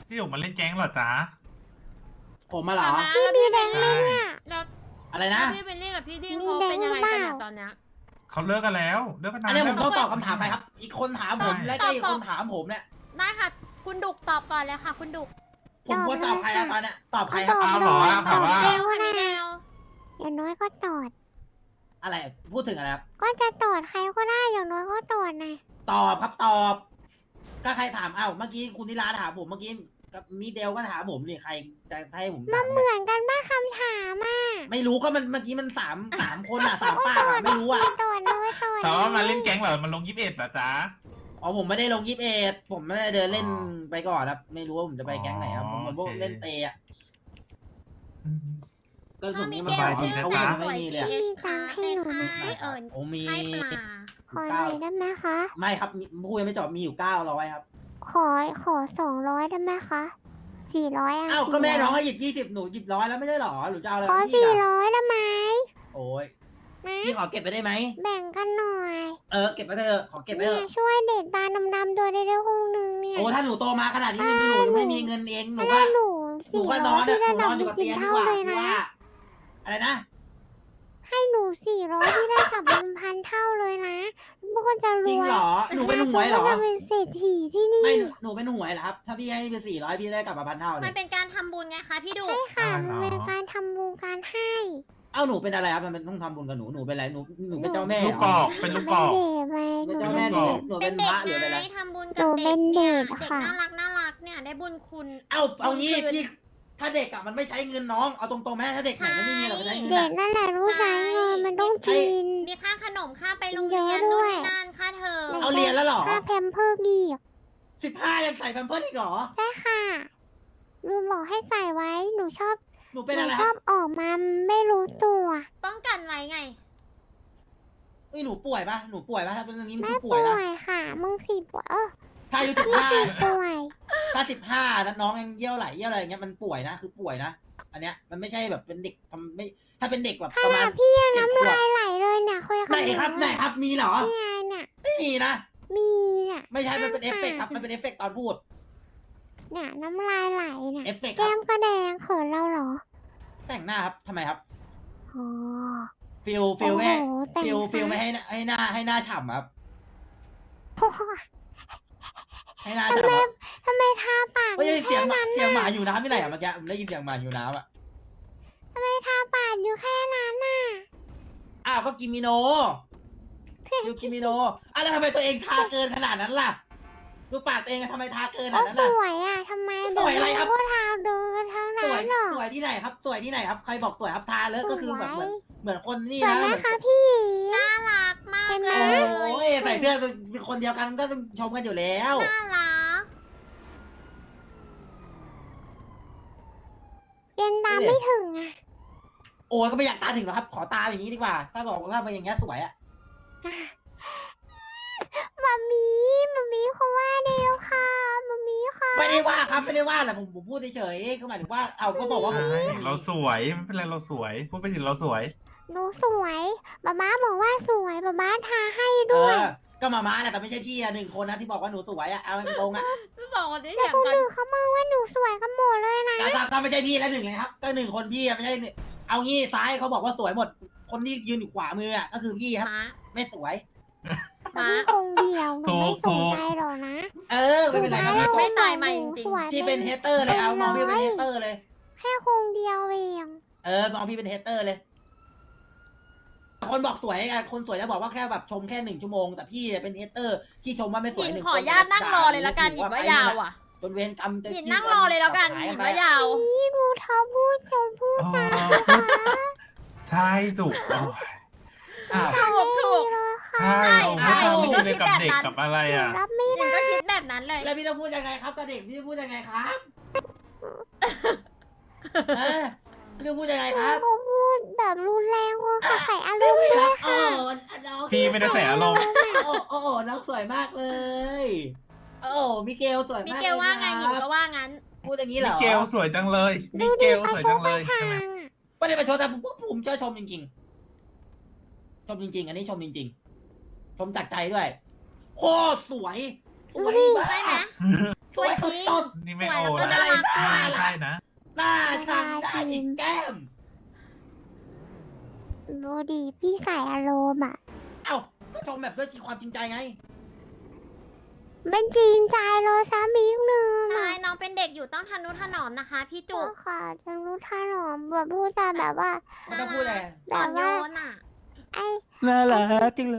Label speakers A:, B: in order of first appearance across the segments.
A: ที่อยู่มาเล่นแก๊งเหรอจ๊ะ
B: ผมมาเหรอ
C: พี่แดง
A: ใช่
C: แล้ว
B: อะไรนะ
C: พี่เป็นเรื่องกับพี่ดิ้งเขาเป็นยังไงกันเนี่ยตอนเนี้ย
A: เขาเลิกกันแล้วเลิกกันนา
B: อั
A: น
B: นนี้ผม
A: แล้ว
B: ต้องตอบคำถามไปครับ อีกคนถามผมและก็อีกคนถามผมเนี่ย
C: ได้ค่ะ คุณดุกตอบก่อนเลยค่ะ คุณดุก
B: ผมควรตอบใครอะตอนเนี้ยตอบใครครับ
A: อ้าวเหรอถามว่า
C: เดวค่ะพี่เดว
D: อย่างน้อยก็ตอด
B: อะไรพูดถึงอะไรครับ
D: ก็จะตอดใครก็ได้อย่างน้อยก็ตอดนะ
B: ตอบครับตอบ ก็ใครถามอ้าวเมื่อกี้คุณนิลาถามผมเมื่อกี้กับมีเดลก็ถามผมนี่ใครจะให้ผมถาม
D: เหมือนกันบ้าคำถามอ่ะ
B: ไม่รู้ก็มันเมื่อกี้มันสามคนอะสามปากอะไม่รู้อะ
D: ตอดเลยตอด
A: ถามว่ามาเล่นแก๊งเหรอมันลง21เหรอจ๊ะ
B: อ๋อผมไม่ได้ลง21ผมไม่ได้เดินเล่นไปก่อนครับไม่รู้ว่าผมจะไปแก๊งไหนครับผมพวกเล่นเตะอะก็
C: ถ้า
B: ผม
C: มี
B: นี่
C: เก
B: มัน
C: ล
B: บายดี
C: ชื่อ
B: นะ
C: แส
B: ว่าน
C: ส
B: ไม่
C: วย
B: มีเลยอะ
C: CH ในค่าย
B: โอ้มี
C: ค่ายปลา
D: ขอหน่อยได้ไหมคะ
B: ไม่ครับพูดยังไม่จบมีอยู่900ครับ
D: ขอ200ได้ไหมคะ400อ่ะ
B: อ้าวก็แม่น้องให้หยิบ20หนูหยิบ100แล้วไม่ใช่หรอหนูจะเอาอะไร
D: ขอ
B: กับพี่อะ
D: 400ได้ไหม
B: โอ้ย
D: นะ
B: พี่ขอเก็บไปได้ไหม
D: แบ่งกันหน่อย
B: เก็บไปเถอะขอเก็บไปเถ
D: เนี่ย
B: อะ
D: ช่วยเด็กตาดำๆตัวได้ด้วยคงนึงเนี่ย
B: โอ้ถ้าหนูโตมาขนาดนี้หนูยังไม่มีเงินเองหนู
D: ถ้า
B: ก็
D: หนู
B: หนูก็นอน
D: 400
B: อะ
D: พี่
B: หนู
D: ได้
B: นอนอยู่
D: ดำ
B: กับ
D: กิ
B: เตี
D: น
B: ยงดี
D: เท่าก
B: ว่า
D: เลย
B: พี่
D: นะ
B: ว่าอะไรนะ
D: ให้หนู400พี่ได้กลับ1,000เท่าเลยนะพวกก็จะรวย
B: จริงเหรอหนูเป็นหวยเหรอ
D: พวกก็จะเป็นเศรษฐีที่นี่
B: ไม่หนูเป็นหวยเหรอครับถ้าพี่ให้ไป400พี่ได้กลับมา1,000เท่าเล
C: มัน
B: ย
C: เป็นการทำบุญไงคะพี่ดุก
D: ค่ะมันเป็นการทำบุญการให้
B: เอ้าหนูเป็นอะไรครับมันต้องทำบุญกับหนูเป็นอะไรหนูเป็นเจ้าแม่เหร
A: ลูกกอกเป็นลูกกอก
D: เป็นเด็กไหม
B: เป็นเจ้าแม่หนู
C: เป็
B: เป็น น
C: เด็
B: พ
C: ก
B: ระหรือเป็น
C: ไง
B: อะไร
C: ทำบุญ
D: ห
C: กับ
D: นู
C: เด็
D: เป็
C: ก
D: น
C: เนี่
D: เด็
C: ย
D: ก
C: เด็ก
D: ค่ะ
C: น่ารักเนี่ยได้บุญคุณ
B: เอางี้
C: คืน
B: พี่ถ้าเด็กอะมันไม่ใช้เงินน้องเอาตรงๆไหมถ้าเด็กไหนมันไม่มีหรอกมันใช้เงิน
D: เด็
B: อะ
D: กนั่นแหละรู้ใช้เงินมันต้องกิน
C: มีค่าขนมค่าไปโรงเรียน
D: เยอะด้
C: นู่น
D: วย
C: นี่นั่นค่าเทอม
B: เอาเรียนแล้วเหรอ
D: ค่าแพมเพิร์กอีก
B: 15ยังใส่แพมเพิร์สอีกเหรอ
D: ใช่ค่ะลุงบอกให้ใส่ไว้หนูชอบ
B: หนู
D: ห
B: เป็น
D: นู
B: อะไร
D: ช
B: ค
D: อ
B: รั
D: บบ ออกมาไม่รู้ตัว
C: ป้องกันไว้ไง
B: หนูป่วยปะหนูป่วยปะถ้าเป็นเรื่องนี้มัน
D: ไม่
B: คือป่
D: ป่
B: วย
D: ว
B: นะ
D: ยค่ะมึงสิป่วย
B: ถ้าอายุ
D: ป่วย
B: 15ถ้า15แล้วน้องยังเยี่ยวไหลเยี่ยวอะไรอย่างเงี้ยมันป่วยนะคือป่วยนะอันเนี้ยมันไม่ใช่แบบเป็นเด็กทำไม่ถ้าเป็นเด็กแบบประมาณ
D: พี่ยัง
B: 7
D: น้ำ
B: ขวบ
D: ลายไหลเลยเนี่ยคุยกับ
B: ไหนครับไหนครับมีเหรอ
D: นี่ไงเนี่ย
B: ไม่มีนะ
D: มีเนี่ย
B: ไม่ใช่มันเป็นเอฟเฟกต์ครับมันเป็นเอฟเฟกต์ตอนพูด
D: เนี่ยน้ำลายไหลเนี่ย
B: เอฟเฟกต์ค
D: แก้
B: รับ
D: มก็แดงเขินเราเหรอ
B: แต่งหน้าครับทำไมครับ
D: อ๋อ
B: ฟิลไม่ให้
D: โอ้โหแต่ง
B: ฟิลไม่ให้หน้าฉ่ำครับ
D: โอ้โห
B: ให้หน้าฉ่ำครับ
D: ทำไมทาปาก
B: ไม่ใช่
D: อยู่
B: เสียง
D: แค่
B: หมา
D: นั้น
B: เสียงหมา
D: น่ะ
B: อยู่น้ำที่ไหนอะเมื่อกี้ผมได้ยินเสียงหมาอยู่น้ำอะ
D: ทำไมทาปากอยู่แค่นั้นน่ะ
B: อ้าวก็กิมิโนยูกิมิโนแล้วทำไมตัวเองทาเกินขนาดนั้นล่ะดูปากตัวเองอะทำไมทาเกินข
D: โอ้
B: นาดนั้น
D: ส
B: ล่ะ
D: วยอ่ะทำไม
B: สวยอะไรครับ
D: เดี๋วก็ทาเดินทั้ง
B: ส
D: นั้
B: วย
D: นเหรอ
B: สวยที่ไหนครับ สวยที่ไหนครับใครบอกสวยครับทาเลอะก็คือแบบเหมือนคนนี่
D: สวย
B: นะ
D: ไหม
B: เหมือน
D: คะพี่
C: น่ารักมาก
D: เห็นไหม
C: เล
B: โอ้
C: ย
B: ยใส่เสื้อคนเดียวกันก็ต้องชมกันอยู่แล้ว
C: น่ารัก
D: เรียนตามไม่ถึงอ่ะ
B: โอ้ยก็ไม่อยากตาถึงหรอกครับ ขอตาอย่างนี้ดีกว่า ถ้าบอกว่าเป็นอย่างเงี้ยสวยอะ
D: มามีเขาว่าเดียวค่ะมามีค่ะ
B: ไม่ได้ว่าครับไม่ได้ว่าแหละผมพูดเฉยๆก็หมายถึงว่าเอาก็บอกว่าผม
A: ใช่เราสวยไม่เป็นไรเราสวยพูดไปถึงเราสวย
D: หนูสวยป๊าบอกว่าสวยป๊าทาให้
B: เอ
D: ด้วย
B: อก็มาม้าแหละแต่ไม่ใช่พี่อะ1 คนนะที่บอกว่าหนูสวยอะเอาตรงๆอะ
C: สองคนที่
D: แต่
C: เถียง
D: คน
C: กัน
D: อื่นเขามองว่าหนูสวยกันหมดเลยนะ
B: ก็ไม่ใช่พี่แล้ว1เลยครับก็1 คนพี่อะไม่ใช่เอางี้ซ้ายเขาบอกว่าสวยหมด คนที่ยืนอยู่ขวามืออะก็คือพี่ครับ
C: ม้า
B: ไม่สวย
D: แต่พี่คงเดียวหนูไม่สนใจหรอกนะ
B: เออไม่เป็นไรครับพี่
C: ไม่ตายใหม่จริง
D: สวย
B: พี่เป็นเฮเตอร์เลยเอามองพี่เป็นเฮเตอร์เลย
D: แค่คงเดียวเอง
B: มองพี่เป็นเฮเตอร์เลย คนบอกสวยอะคนสวยจะบอกว่าแค่แบบชมแค่1 ชั่วโมงแต่พี่เป็นเฮเตอร์ที่ชมว่าไม่ส
C: ห
B: วย
C: ยิน
B: หนึ่ง
C: ขอญาตนั่งรอเลยละกันหยินว่ายาวอ่ะ
B: จนเวรกรรมจะ
C: หยินนั่งรอเลยแล้วกันหยินว่ายาว
D: นี่ดูเธอพูดจนพูด
A: อ๋อใช่จุกโอ้ยอ้าว
C: ถูก
A: ใช่
C: ใช่
A: โอ้โห
C: ใช่
A: ทำไม่ดีเลยกับเด็กกับอะไรอ่ะ
D: รับไม่
C: หยิน
D: ได้
C: ก็คิดแบบนั้นเลย
B: แล้วพี่ต้องพูดยังไงครับกับเด็กพี่จะพูดยังไงครับฮะพี่ต้องพูดยังไงครับ
D: เขาพูดแบบรุนแรงว่าค่ะใส่อาร
B: ไม่
D: มณ์
B: ไม่
D: ด้
B: รั
D: วย
B: บโอ้น้อง
A: พี่ไม่ได้ใส่อารมณ์
B: โอ้น้องสวยมากเลย โอ้มิเกลสวยมาก
C: มิเกลว่าไงหยินก็ว่างั้น
B: พูดอย่างนี้เหร
A: มิ
B: อ
A: เกลสวยจังเลยมิเกลสวยจังเลยใช่ไหม
B: ไม่ได้ไปชมแต่ผมเจอชมจริงๆ ชมจริงๆ อันนี้ชมจริงๆ ชมจากใจด้วยโคตรสวยสวยมาก
C: ใช่ไหม
B: สวย
C: สวยจริง
B: ต้น
A: นี่ไม่
C: สวย
A: โอ
C: แล้วก็
A: นะ
C: น่า
D: ดูดิพี่ใส่อารมณ์อ่ะ
B: เอ้าก็ชมแบบด้วยความจริงใจไง
D: มันจริงใจเลยซ้ำอีกหนึ่ง
C: ใช่
D: อ่ะ
C: น้องเป็นเด็กอยู่ต้องทนุถนอมนะคะ พี่จุ
D: ก็
C: ก
D: ค่ะจะรู้ท่าหรอมแบบพูดจาแบบว่า
B: ไม่ต้องพูดอะไร
D: แบ
C: อ่อบ นโย
D: ว่าน
C: อ่ะ
D: ไอ้
B: น่ารักจังเลย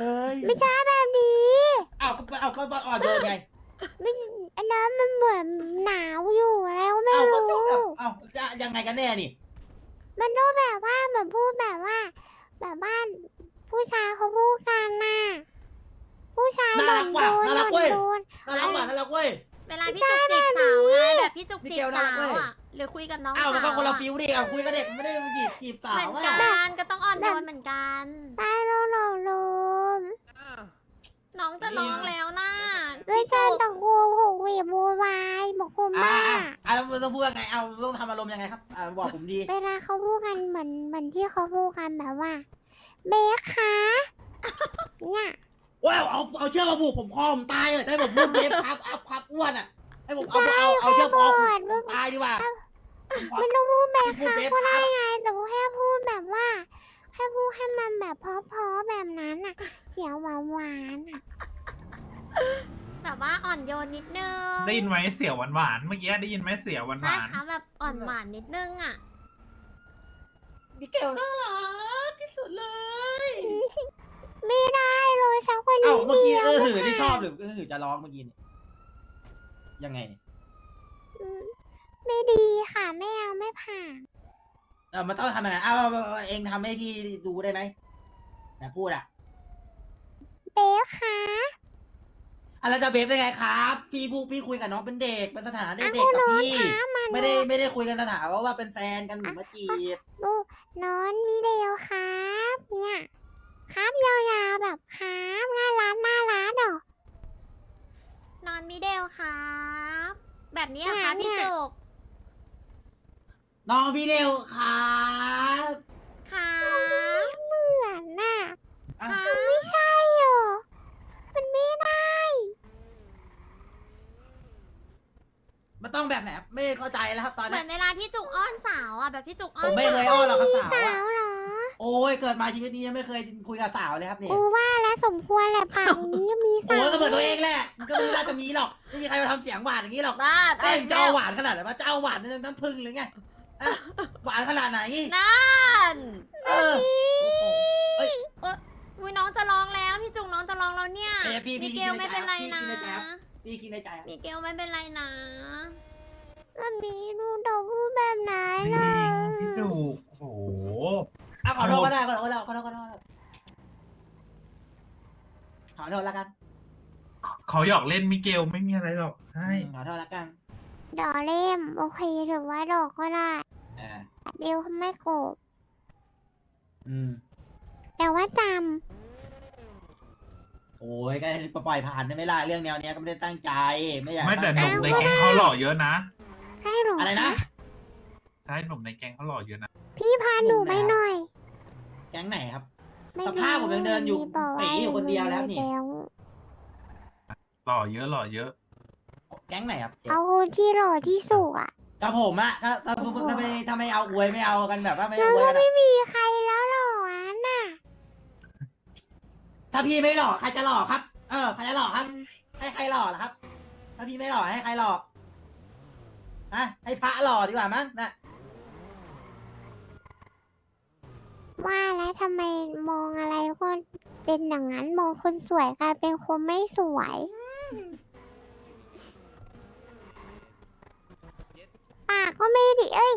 D: ไม่ใช่แบบนี้
B: เอ้าก็อ่อนโยนไง
D: ไม่อันนั้นมันเหมือนหนาวอยู่แล้วไม่
B: เอ้าก็
D: รู้
B: จะแบบเอ้าจะยังไงกันแน่นี่
D: มันก็แบบว่าเหมือนพูดแบบว่า แบบว่าผู้ชายเขาพูดกันน่ะผู้ชาย
B: น่า
D: บ่
B: รั
D: น
B: ก
D: โด
B: ว่ะ
D: น
B: น่ารัก
D: บ่
B: เว้
D: น
B: ย
D: โดน
B: น่ารักว่ะน่ารักเว้ย
C: เวลาพี่จุกจีบสาวไงแบบพี่จุก
B: มิ
C: จี
B: เก
C: บ
B: ลน่า
C: สา
B: รักเว้
C: วย อ่ะ หรือคุยกับน้อง
B: เอ้า
C: สาว
B: มันก็คนละ
C: อะ
B: ฟิลดิเอาคุยกับเด็กไม่ได้จีบสา
C: เหมื
B: ว
C: อน
B: อ่ะ
C: กันก็ต้องอ่อนโยนเหมือนกัน
D: ตายแล้วหลงลืม
C: น้องจะร้องแล้วนะ
D: ไม่
C: พี่
D: ใช่
C: จุก
D: ตะโกนโหกเวียบโวยวายบอกคุณ
B: อ่า
D: บ้า
B: แล้วต้องพูดยังไงเอาต้องทำอารมณ์ยังไงครับบอกผมดี
D: เวลาเขาพูดกันเหมือนที่เขาพูดกันแบบว่า เบคคะเนี่ย
B: ว้าวเอาเชือกมาผูกผมคอผมตายเลยให้ผมพูดเบฟครับครับอ้วนอ่ะให้ผมเอาเชือกคอผมตายดีกว่า
D: มันต้องพูดเบค
B: พูด
D: คะ
B: เบฟ
D: ก็
B: ค
D: ได้
B: รับ
D: ไงแต่ว่าแค่พูดแบบว่าแค่พูดให้มันแบบเพราะๆแบบนั้นอ่ะ เสียงหวานๆอ่ะ
C: แบบว่าอ่อนโยนนิดนึง
A: ได้ยินไหมเสียวหวานๆเมื่อกี้ได้ยินไหมเสียวหวาน
C: ใช่ค่ะแบบอ่อนหวานนิดนึงอ่ะ
B: มิเกลน่ารักที่สุดเลย
D: ไม่ได้เลยสักคน
B: เอ้า
D: นี้
B: เมื่อกี้
D: ดียว
B: หือ
D: ไม่
B: ที่ช
D: ผ่า
B: อน บหรือหือจะร้องเมื่อกี้เนี่ยยังไงเนี่ย
D: อืมไม่ดีค่ะไม่เอาไม่ผ่าน
B: มันต้องทำยังไงเอาเองทำให้พี่ดูได้ไหมนะพูดอ่ะ
D: เบคคะ
B: อะไรจะเบฟได้ไงครับ พี่คุยกับน้องเป็นเด็กเป็นสถานะ
D: อ่ะ
B: เด็ก
D: คุณ
B: กับ
D: นอน
B: พี่
D: คะมา
B: ไม่ได้คุยกันสถานะว่าเป็นแฟนกันหรือมาจีบ
D: ดูนอนมีเดียวครับเนี่ยครับยาวๆแบบครับน่ารักเหรอน
C: อนมิเดลครับ แบบนี้เหรอคะ
D: เนี่ย
C: พี่จุก
B: น้องพี่เดวครับ
C: ครับ
D: เหมือนน่ะ
B: อ่ะ
C: ค่ะ
D: ไม่ใช่หรอมันไม่ได้
B: มันต้องแบบไหนครับไม่เข้าใจแล้วครับตอน
C: เหมื
B: นี้
C: อนเวลาพี่จุกอ้อนสาวอ่ะแบบพี่จุกอ้อ
B: ผ
C: น
B: มไม่
C: สา
B: เคยว อ้อนหรอกครับสาว
D: สา
B: อะ
D: วเหรอ
B: โอ้ยเกิดมาชีวิตนี้ยังไม่เคยคุยกับสาวเลยครับเนี่ย
D: กูว่าแล้วสมควรแหละปากนี้มีสา
B: โอ้
D: วย
B: ก็เหมือนตัวเองแหละมันก็ไม่น่าจะมีหรอกไม่มีใครมาทำเสียงหวานอย่างนี้หรอก
C: บ้า
B: เอ้ยจะเอาหวานขนาดไหนวะจะเอาหวานในน้ำผึ้งหรือไงอะหวานขนาดไหน
C: นั่น
B: เออ เอ้ย
C: อุ้ยน้องจะร้องแล้วพี่จุกน้องจะร้องแล้วเนี่ย
B: เอ้ยพี่
C: มิเกลไม่เป็นไรนะ
B: พี่คิดในใจครับ
C: มิเกลไม่เป็นไรนะ
D: มันมีดูดอกพูดแบบไหน
A: ๆจริ
D: ล่ะ
A: งพี่จูกโอ้โห
B: อ่ะขอโทษก็ได้ขอโทษแล้วละกัน
A: เขาหยอกเล่นมิเกลไม่มีอะไรหรอกใช่
B: ขอโทษละกัน
D: ดอกเล่มโอเคถือว่าดอกก็ได้
B: อ่า
D: เดียวไม่โกรธ
B: อืม
D: แต่ว่าจ
B: โอ้ยก็ปล่อยผ่านได้ไหมล่ะเรื่องแนวเนี้ยก็ไม่ได้ตั้งใจไม่อยาก
A: ไม่แต่ห
B: ตั้
A: นุ่
B: ง
A: ม
B: ใจ
A: ในแก๊งเขาหล่อเยอะนะ
D: ำให้หนู
B: อะไรนะ
A: ใช่หนุ่มในแก๊งเขาหล่อเยอะนะ
D: พี่พาหนูไปหน่อย
B: แก๊งไหนครับ
D: ไม่
B: สภาพผมยังเดินอยู่
D: มีบอกว่า
B: ตีอยู่คนเดียวแล้วนี่
D: แล้ว
A: หล่อเยอะหล่อเยอะ
B: แก๊งไหนครับ
D: เอาคนที่หล่อที่สุดอ่ะ
B: กับผมอะถ้าไม่เอาอวยไม่เอากันแบบว่าไม่
D: แล้ว
B: อวย
D: ก็
B: กัน
D: ไม่
B: อะ
D: มีใครแล้วหล่ออันน่ะ
B: ถ้าพี่ไม่หล่อใครจะหล่อครับ ใครจะหล่อครับ ให้ใครหล่อล่ะครับ ถ้าพี่ไม่หล่อให้ใครหล่อให้พระหล่อดีกว่ามั้งนะ
D: ว่าแล้วทำไมมองอะไรก็เป็นอย่างนั้นมองคนสวยกลายเป็นคนไม่สวย ปากก็ไม่ดีเอ้ย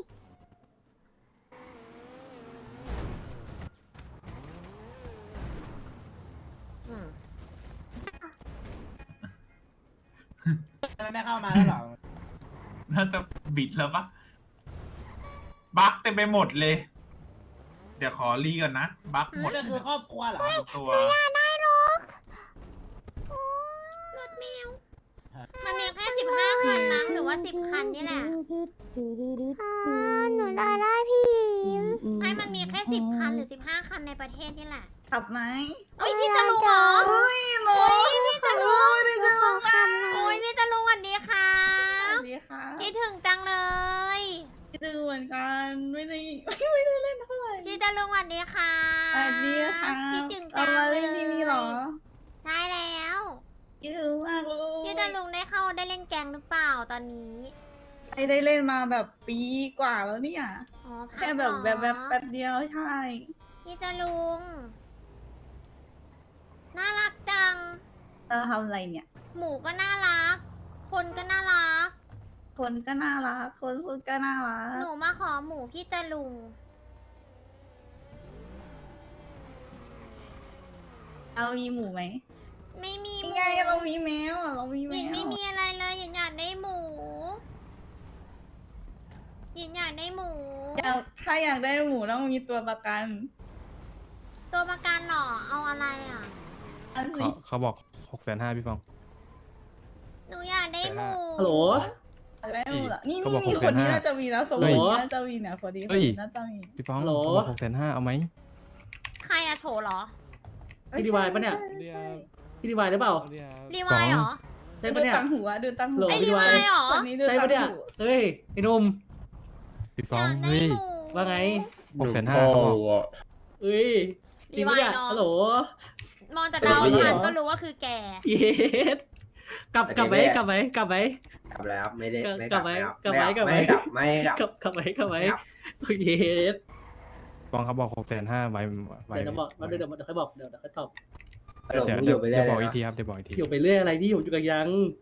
C: อืม
B: ทำไมไม่เข้ามาแล้วหรอ
A: น่าจะบิดแล้วปะบั๊กเต็มไปหมดเลย เดี๋ยวขอรีก่อนนะบั๊กหมด
B: นี่ก็คือครอบครัวเหรอ
A: ตัว
D: ได้หรอก
C: รถแมว มันมีแค่15 คันมั้งหรือว่า 10 คันนี่แหละ
D: หนูได้พี่หญิง
C: ให้มันมีแค่10 คันหรือ 15 คันในประเทศนี่แหละ
E: ขับไหม
C: โอ้ยพี่จะลุงเหรอ
E: โอ้ยโม
C: โอ้ยพี่จะลุง
E: ไม่จะลงอ่ะ
C: โอ้ยพี่จะลุงสวัสดีค่ะ
E: สวัสดีค่ะ
C: คิดถึงจังเลย
E: คคิดถึงเหมือนกันไม่ได้เล่นเท่าไหร่
C: พี่จะลุงสวัสดีค่ะ
E: สวัสดีค่ะ
C: คิดถึงจั
E: เรา
C: ง
E: มาเล่นที่นี่เหรอ
C: ใช่แล้ว
E: คิดถึงมากเลย
C: พี่จะลุงได้เล่นแกงหรือเปล่าตอนนี้
E: ไม่ได้เล่นมาแบบปีกว่าแล้วเนี่ย
C: อ๋อพัก
E: แค่แบบ
C: เหรอ
E: แบบแป๊บเดียวใช่
C: พี่จะลุงน่ารักจัง
E: เราทำอะไรเนี่ย
C: หมูก็น่ารัก คนก็น่ารัก
E: คนก็น่ารักคนพูดก็น่ารั
C: ห
E: ก
C: นูมาขอหมูพี่จะลุง
E: เรามีหมูไหม
C: ไม่มีห
E: นี่
C: มู
E: ไงเรามีแมวอะเรามี
C: ห
E: แม
C: ยิน
E: ว
C: ไม่มีอะไรเลยหยินอยากได้หมูหยินอยากได้หมู
E: ถ้าอยากได้หมูต้องมีตัวประกัน
C: ตัวประกันเหรอ เอาอะไรอ่ะ
E: อัน
F: เขา
E: นี้
F: เขาบอก650,000พี่ฟอง
C: หนูอยากได้หมู
G: ฮัลโหล
E: อยากได้หมูเหรอนี่
F: เขาบอก
E: นี่
F: 650,000
E: คนนี้น่าจะมีแล้วสมม
F: เฮ้
E: ติ
F: ย
E: น่าจะมีเนี่ยคนนี้
F: เฮ้ย
E: น่าจะมี
F: พี่ฟอง
G: ฮัลโหล
F: เขาบอก650,000เอาไหม
C: ใครอะโฉเหรอ
G: พี่ดีวายปะเนี่ย
E: ใช่ใช่
G: พี่ดีวายหรือเปล่า
C: รีวายเหรอ
G: ใช่
E: ดู
G: ปะเนี่ย
E: ตังหัวดูตังหั
G: โหล
E: ว
C: ไอ้รีวายเหรอ
E: คนนี้ดู
G: ใช่
E: ตั
G: ปะเนี่ย
E: งหัว
G: เฮ้ยไอ้หนุ่ม
F: พี่ฟ
C: อ
F: อง
C: ยากได้
F: เฮ้ย
C: หมู
G: ว่าไง
F: 650,000เขาบอก
G: เฮ้ยจริงปะเนี่ย
C: รีวายเนอะ
G: ฮัลโหล
C: มองจากดาวอังคารก็รู้ว่าคือแก
G: เย็ดกลับไหมกลับไหม
H: กลับแล้วครับไม่ได้ไม่
G: กลับไหม
H: ครับ
G: กลับไหม
H: ไม่
G: กลับไหม
H: ไม่กลับไม่กลับ
G: กลับไหมกลับไหม
H: ไม่ครับ
G: เย็ด
F: ฟองเขาบอก650,000ไว้
G: เดี๋ยวบอกเดี๋ยวค่อยบอกเดี๋ยวค่อยตอบ
H: หลง
F: เดี๋ยว
H: อยู่ไปเรื่
F: เดี๋
H: อย
F: วย บอก
H: เล
F: อี
H: ย
F: กทีครับเดี๋ยวบอกอีกที
G: อยู่ไปเรื่อยอะไรพี่ผมอยู่กับยัง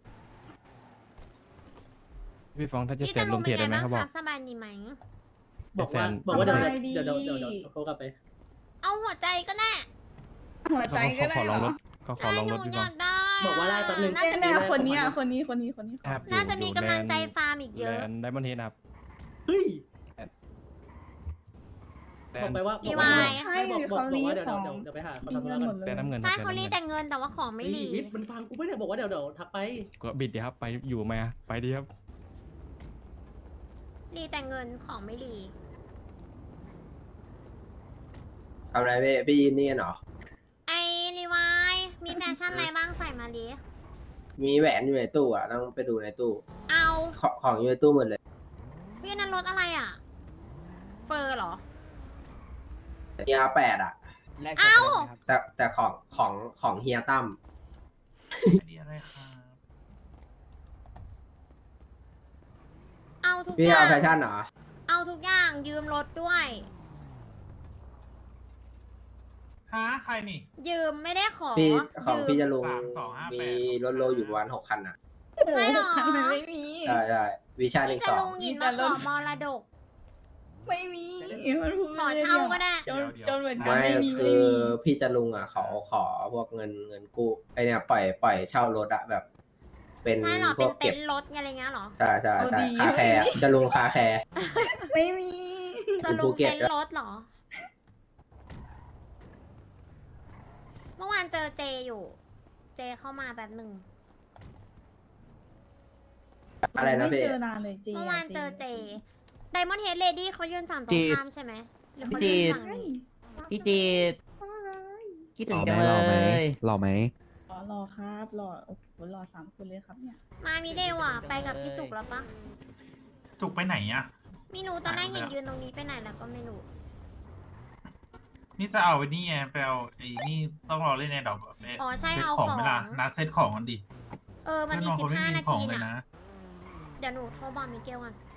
F: พี่ฟองถ้าจะ
C: พี่
F: เต็
C: จะ
F: ม
C: ลุ
F: ล
C: ง
F: ง
C: เป็
F: เพ
C: น
F: จ
C: ไง
F: ได้ไหม
C: บ้าง
F: เขา
C: ค
F: บอก
C: รับสบายดีไหม
G: บอกว่า
F: แฟน
G: บอกว่าเดี๋ยวโทรกลับไป
C: เอาหัวใจก็ได้
E: หัวใจ
F: เขา
E: ก็
F: ข
E: ได้
F: อ
E: เห
F: ล
E: ร
F: องร
E: อ
F: ถเขาขอ
C: ได้
F: ลอง
C: ห
F: ร
C: นู
F: ถพี่
C: อ
F: ฟอง
C: ยากได้
G: บอกว่าได้แป๊บนึง
C: น่าจะมี
E: เนี่ยคนเนี้ยคนนี้
F: ครับ
C: น่าจะมีกำลังใจฟาร์มอีกเยอะ
F: ได้มอนเฮดครับ
G: เฮ้ย
F: แด
G: บอก
F: น
G: ไปว่า
C: รีวาย
E: ใช่
G: บอก
E: เขา
G: ว่า
E: รี
G: เดี๋ยว
E: ของ
G: เดี๋ยวไปหาเขา
E: มี
G: ทำธุ
E: เงิ
G: ระ
E: น
G: กัน
E: หมดเลย
F: แต่น้ำเงินค
C: ใช่
F: รับ
C: เขารีดแต่เงินแต่ว่าของไม่รี
G: วิทย์มันฟังกูไม่ได้บอกว่าเดี๋ยวทักไป
F: ก็บิดดีครับไปอยู่ไหมอะไปดีครับ
C: รีดแต่เงินของไม่รี
H: ทำอะไรพี่ยินนี่กันเหรอ
C: ไอรีวายมีแฟชั่นอะไรบ้างใส่มาดิ
H: มีแหวนอยู่ในตู้อ่ะต้องไปดูในตู้
C: เอา
H: ของอยู่ในตู้หมดเลย
C: พี่นั้นรถอะไรอ่ะ เฟอร์เหรอ
H: เฮีย8อ่ะ
C: เอา
H: แต่ของเฮียตั้ม
A: อันนี้อะไรครับ
C: เอาทุก
H: พี่
C: อย่า
H: เอา
C: ง
H: แฟชั่นเหรอ
C: เอาทุกอย่างยืมรถด้วย
A: ฮะใครนี่
C: ยืมไม่ได้ขอ
H: พี่ของ
C: ยืม
H: พี่จะลง
A: 3258
H: มีรถโลอยู่ประมาณ6 คันอ่ะ
C: ใช่เหรอ
E: คันนั้นไม่มี
H: ใช่ใช่วิชาหนึ่
C: พี่
H: ง
C: จะ
H: สอ
C: ลุ
H: ง
C: งหยินมาขอมรดก
E: ไม่มีมันพูด
C: ขอเช่าก็ได้
E: จน
A: เดี๋ยว
E: จนเหมือนกัน
H: ไม่
E: ไม่มี
H: คือพี่จะลุงอ่ะเขาขอพวกเงินกู้ไอเนี่ยปล่อยเช่ารถอะแบบ เป็น
C: ใช่เหรอ
H: พ
C: เป็
H: วน ก
C: เต็
H: เก็บ
C: นท์รถอะไรเงี้ยเหรอ
H: ใช่ใช่ใช่คาแคร์อะจะลุงคาแคร์
E: ไม่มี
C: จะลุงเต็นท์รถเหรอ เมื่อวานเจอเจอยู่ เจเข้ามาแบบหนึ่ง
H: อะไรนะพี่
E: ไม่เจอนานเลยจริง
C: เมื่อวานเจอเจไดมอนด์เฮดเลดี้เขายืนฝั่งตร
I: เจ
C: งข้ามใช่ไหมหรือเขายืนฝั่งนี้
I: พี่จีดคิดถึงจังเลย
F: หล่อไหม
E: รอครับรอโอ้โหรอ3 คนเลยครับเนี่ย
C: มามิเดว่ะไปกับพี่จุกแล้วปะ
A: จุกไปไหนอ่ะ
C: ไม่รู้ตอนแรกเห็นยืนตรงนี้ไปไหนแล้วก็ไม่รู้
A: นี่จะเอาไอ้นี่ไงไปเอาไอ้นี่ต้องรอเล่นในดอกแบบ
C: อ๋อใช่
A: เซ็ต
C: เอา
A: ของ
C: ของ
A: เวลานัดเซ็ตของกันดิ
C: มันอีก
A: เพื่นบงคไม่
C: 15
A: มี
C: นา
A: ขอ
C: ที
A: งเลย
C: น่ะ
A: นะ
C: เดี๋ยวหนูโทรบอกมิเกลก่อน